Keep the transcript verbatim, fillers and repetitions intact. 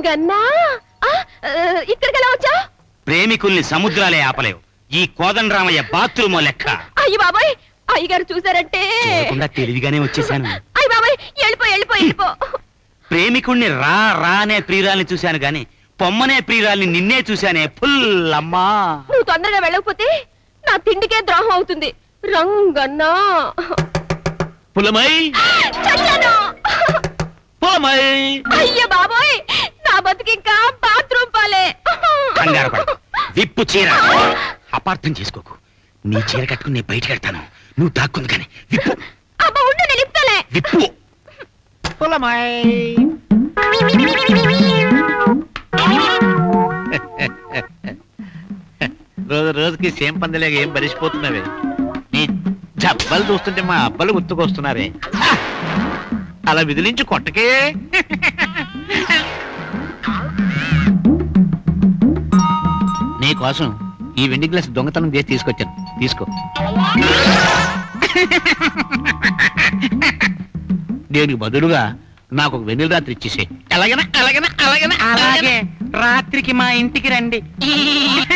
రంగన్నా ఇక్కడికి ఎలా వచ్చా? ప్రేమికుల్ని సముద్రాలే ఆపలేవు. ఈ కోదండరామయ్య బాత్రూమ్ లెక్క. అయ్యి బాబాయ్, అయ్యగారు చూసారంటే తెలివిగానే వచ్చేసాను. అయ్యి బాబాయ్, వెళ్ళిపో వెళ్ళిపో వెళ్ళిపో. ప్రేమికుణ్ణి రా రా అనే ప్రియురాల్ని చూశాను గాని పొమ్మనే ప్రియురాల్ని నిన్నే చూశానే. ఫుల్ అమ్మా, నువ్వు తొందరగా వెళ్ళకపోతే నా తిండికే ద్రోహం అవుతుంది. రంగన్నా పులమై చచ్చాను. పులమై అయ్య బాబోయ్, నా బతుకింకా బాత్రూమ్ పాలే. కంగారు పడకు, విప్పు చీర. అపార్థం చేసుకోకు. నీ చీర కట్టుకుని నేను బయటకు వెళ్తాను, నువ్వు దాక్కుంది కానీ విప్పు. అబ్బా ఉండు, నేను ఇస్తాలే. విప్పు. పులమై రోజు రోజుకి సేమ్ పందలేక ఏం బలిసిపోతున్నావే. నీ జబ్బలు చూస్తుంటే మా అబ్బలు గుర్తుకొస్తున్నారే. అలా విదిలించి కొట్టకే. నీ కోసం ఈ వెండి గ్లాస్ దొంగతనం చేసి తీసుకొచ్చాను, తీసుకో. దీనికి బదులుగా నాకు ఒక వెన్నెల రాత్రి ఇచ్చేసే. ఎలాగైనా అలాగైనా అలాగైనా అలాగే రాత్రికి మా ఇంటికి రండి.